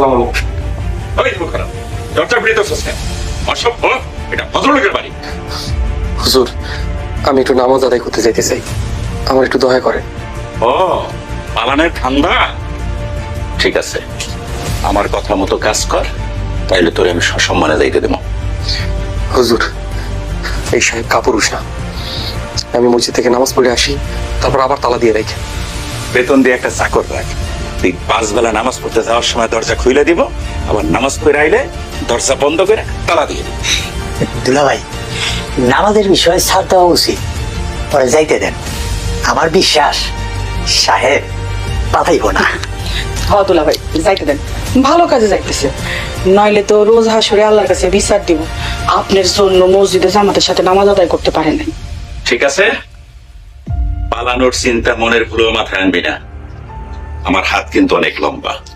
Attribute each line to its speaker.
Speaker 1: আসসালামু আলাইকুম।
Speaker 2: ওই মুখারা দরজা খুলে তো সস্তা অসভ্য, এটা ভদ্রলোকের বাড়ি।
Speaker 1: হুজুর, আমি একটু নামাজ আদায় করতে যেতে চাই, আমার একটু দয়া করেন।
Speaker 2: ও পালানের ঠান্ডা, ঠিক আছে, আমার কথা মতো কাজ কর, তাইলে তোরে আমি সসম্মানে যাইতে দেবো।
Speaker 1: হুজুর, এই সাহেব কাপুরুষ না, আমি মসজিদ থেকে নামাজ পড়ে আসি, তারপর আবার তালা দিয়ে রাখি।
Speaker 2: বেতন দিয়ে একটা চাকর রাখ, তুই 5 বেলা নামাজ পড়তে যাওয়ার সময় দরজা খুলে দিব, আবার নামাজ পড়ে আইলে দরজা বন্ধ করে তালা দিয়ে দিব।
Speaker 3: দুলা ভাই, নামাজের বিষয়ে ছাড় দেওয়া উচিত, পরে যাইতে দেন। আমার বিশ্বাস সাহেব পাঠাইব না।
Speaker 4: দুলা ভাই যাইতে দেন, ভালো কাজে যাইতেছে, নইলে তো রোজ হাসুরে আল্লাহর কাছে বিচার দিব আপনার জন্য মসজিদে জামাতের সাথে নামাজ আদায় করতে পারেন নাই।
Speaker 2: ঠিক আছে, পালানোর চিন্তা মনের ভুলো মাথায় আনবি না, আমার হাত কিন্তু অনেক লম্বা।